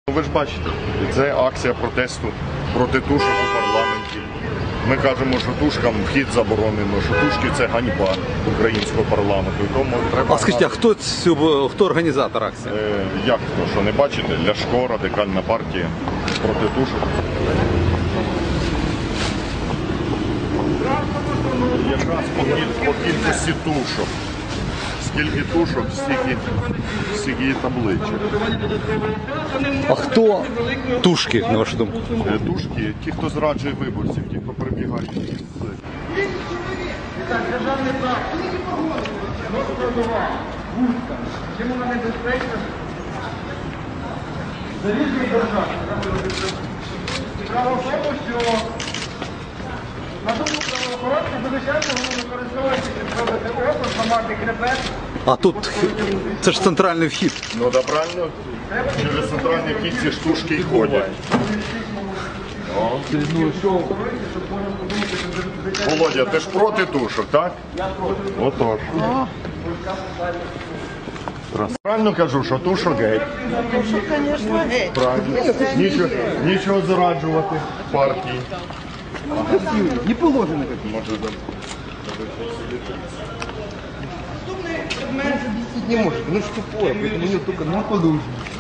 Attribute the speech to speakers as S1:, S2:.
S1: Ви ж бачите, це акція протесту проти тушок у парламенті. Ми кажемо, що тушкам вхід заборонено, що тушки – це ганьба українського парламенту. Тому треба...
S2: А скажіть, а хто організатор акції?
S1: Як хто? Що не бачите? Ляшко, Радикальна партія проти тушок. Якраз по кількості тушок. Скільки тушок, стільки і табличок.
S2: А хто тушки, на вашу думку?
S1: Тушки – ті, хто зраджує виборців, ті, хто прибігають.
S3: Державний прав. Чому вона небезпечна? Залізний держав. Справа в тому, що на думку правоохоронців, звичайно, вони використовують, щоб зробити опис, ламати хребет.
S2: А тут це ж центральний вхід.
S1: Ну да, правильно, через центральні вхід ці штушки й ходять. Володя, ти ж проти тушок, так? Отож. Правильно кажу, що тушок геть.
S4: Тушок, звісно, геть.
S1: Правильно. Нічого зраджувати партії.
S3: Не положено.
S1: Може,
S3: Не может, ну что тупое, поэтому у него только не положено.